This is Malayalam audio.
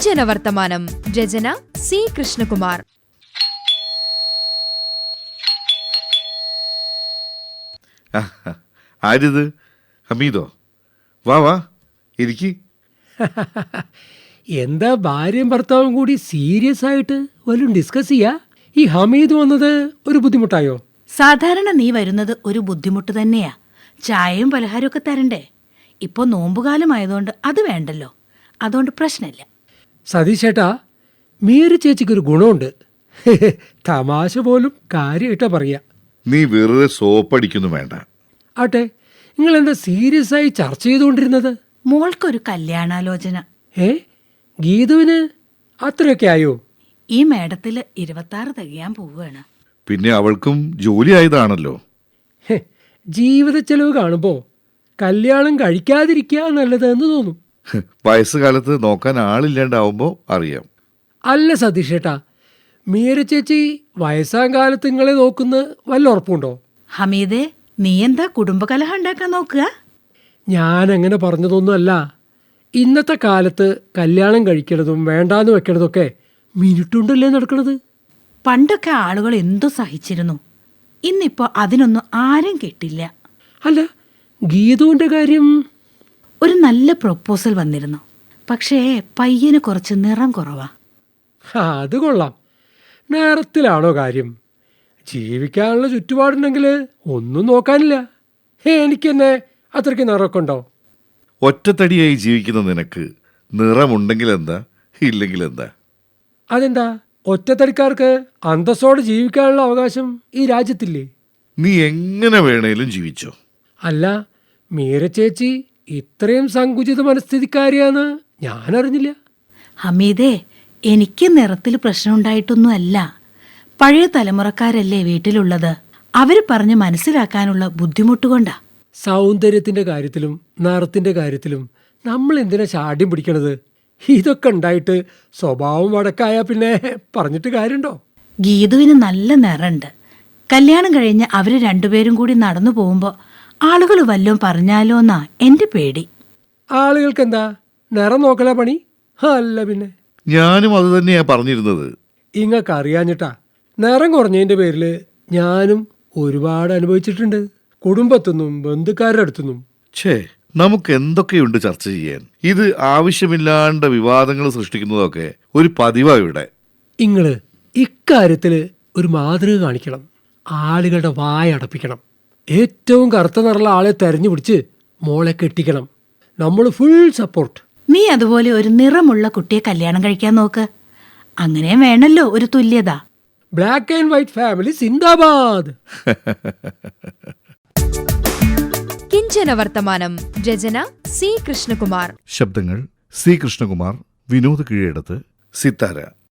കിഞ്ചന വർത്തമാനം. രചന സി കൃഷ്ണകുമാർ. ആരിത്? ഹമീദോ? വാ വാ ഇരിക്കി. എന്താ ഭാര്യയും ഭർത്താവും കൂടി സീരിയസ് ആയിട്ട് വല്ലതും ഡിസ്കസ് ചെയ്യാ? ഈ ഹമീദ് വന്നത് ഒരു ബുദ്ധിമുട്ടായോ? സാധാരണ നീ വരുന്നത് ഒരു ബുദ്ധിമുട്ട് തന്നെയാ. ചായയും പലഹാരമൊക്കെ തരണ്ടേ? ഇപ്പോൾ നോമ്പുകാലമായതുകൊണ്ട് അത് വേണ്ടല്ലോ, അതുകൊണ്ട് പ്രശ്നമില്ല. സതീശേട്ടാ, മീര ചേച്ചിക്കൊരു ഗുണമുണ്ട്. തമാശ പോലും കാര്യമായിട്ടാ പറയാ. നീ വെറുതെ സോപ്പടിക്കുന്നു വേണ്ട. ആട്ടെ, നിങ്ങൾ എന്താ സീരിയസ് ആയി ചർച്ച ചെയ്തുകൊണ്ടിരുന്നത്? മോൾക്കൊരു കല്യാണാലോചന. ഗീതുവിന് അത്രയൊക്കെ ആയോ? ഈ മേടത്തിൽ 26 തികയാൻ പോവുകയാണ്. പിന്നെ അവൾക്കും ജോലി ആയതാണല്ലോ. ജീവിത ചെലവ് കാണുമ്പോ കല്യാണം കഴിക്കാതിരിക്കുക നല്ലതെന്ന് തോന്നും. വയസ്സുകാലത്ത് നോക്കാൻ ആളില്ലാണ്ടാവുമ്പോ അറിയാം. അല്ല സതീഷേട്ടാ, മീര ചേച്ചി വയസ്സാം കാലത്ത് നിങ്ങളെ നോക്കുന്ന വല്ല ഉറപ്പുണ്ടോ? ഹമീദേ, നീ എന്താ കുടുംബകലഹം ഉണ്ടാക്കാൻ നോക്കുക? ഞാനങ്ങനെ പറഞ്ഞതൊന്നുമല്ല. ഇന്നത്തെ കാലത്ത് കല്യാണം കഴിക്കണതും വേണ്ടാന്ന് വെക്കണതൊക്കെ മിനിറ്റുണ്ടല്ലേ നടക്കണത്. പണ്ടൊക്കെ ആളുകൾ എന്തു സഹിച്ചിരുന്നു. ഇന്നിപ്പോ അതിനൊന്നും ആരും കിട്ടില്ല. അല്ല, ഗീതുവിന്റെ കാര്യം? ഒരു നല്ല പ്രൊപ്പോസൽ വന്നിരുന്നു. പക്ഷേ പയ്യന് കുറച്ച് നിറം കുറവാ. അത് കൊള്ളാം. നേരത്തിലാണോ കാര്യം? ജീവിക്കാനുള്ള ചുറ്റുപാടുണ്ടെങ്കിൽ ഒന്നും നോക്കാനില്ല. എനിക്കെന്നെ അത്രയ്ക്ക് നിറമൊക്കെ ഉണ്ടോ? ഒറ്റത്തടിയായി ജീവിക്കുന്ന നിനക്ക് നിറമുണ്ടെങ്കിൽ എന്താ, ഇല്ലെങ്കിൽ എന്താ? അതെന്താ, ഒറ്റത്തടിക്കാർക്ക് അന്തസ്സോടെ ജീവിക്കാനുള്ള അവകാശം ഈ രാജ്യത്തില്ലേ? നീ എങ്ങനെ വേണേലും ജീവിച്ചോ. അല്ല, മീര ചേച്ചി ഇത്രയും സങ്കുചിത മനസ്ഥിതിക്കാരിയാന്ന് ഞാനറിഞ്ഞില്ല. ഹമീദേ, എനിക്ക് നിറത്തിൽ പ്രശ്നമുണ്ടായിട്ടൊന്നുമല്ല. പഴയ തലമുറക്കാരല്ലേ വീട്ടിലുള്ളത്. അവര് പറഞ്ഞ് മനസ്സിലാക്കാനുള്ള ബുദ്ധിമുട്ടുകൊണ്ടാ. സൗന്ദര്യത്തിന്റെ കാര്യത്തിലും നിറത്തിന്റെ കാര്യത്തിലും നമ്മൾ എന്തിനാ ശാഠ്യം പിടിക്കണത്? ഇതൊക്കെ ഉണ്ടായിട്ട് സ്വഭാവം വടക്കായ പിന്നെ പറഞ്ഞിട്ട് കാര്യമുണ്ടോ? ഗീതുവിന് നല്ല നിറണ്ട്. കല്യാണം കഴിഞ്ഞ് അവര് രണ്ടുപേരും കൂടി നടന്നു പോകുമ്പോ ആളുകൾ വല്ലതും പറഞ്ഞാലോന്നാ എന്റെ പേടി. ആളുകൾക്ക് എന്താ നിറം നോക്കല പണി? അല്ല പിന്നെ. ഞാനും അത് തന്നെയാ പറഞ്ഞിരുന്നത്. ഇങ്ങക്ക് അറിയാഞ്ഞിട്ടാ. നിറം കുറഞ്ഞതിന്റെ പേരിൽ ഞാനും ഒരുപാട് അനുഭവിച്ചിട്ടുണ്ട്. കുടുംബത്തുനിന്നും ബന്ധുക്കാരുടെ അടുത്തുനിന്നും. ഛേ, നമുക്ക് എന്തൊക്കെയുണ്ട് ചർച്ച ചെയ്യാൻ. ഇത് ആവശ്യമില്ലാണ്ട് വിവാദങ്ങൾ സൃഷ്ടിക്കുന്നതൊക്കെ ഒരു പതിവാ ഇവിടെ. ഇങ്ങള് ഇക്കാര്യത്തില് ഒരു മാതൃക കാണിക്കണം. ആളുകളുടെ വായ അടപ്പിക്കണം. ഏറ്റവും കറുത്ത നിറമുള്ള ആളെ തെരഞ്ഞു പിടിച്ച് മോളെ കെട്ടിക്കണം. നമ്മൾ ഫുൾ സപ്പോർട്ട്. നീ അതുപോലെ ഒരു നിറമുള്ള കുട്ടിയെ കല്യാണം കഴിക്കാൻ നോക്ക്. അങ്ങനെയും വേണല്ലോ ഒരു തുല്യത. ബ്ലാക്ക് ആൻഡ് വൈറ്റ് ഫാമിലി സിന്ദാബാദ്. കിഞ്ചന വർത്തമാനം. രചന സി കൃഷ്ണകുമാർ. ശബ്ദങ്ങൾ സി കൃഷ്ണകുമാർ, വിനോദ് കീഴടത്ത്, സിത്താര.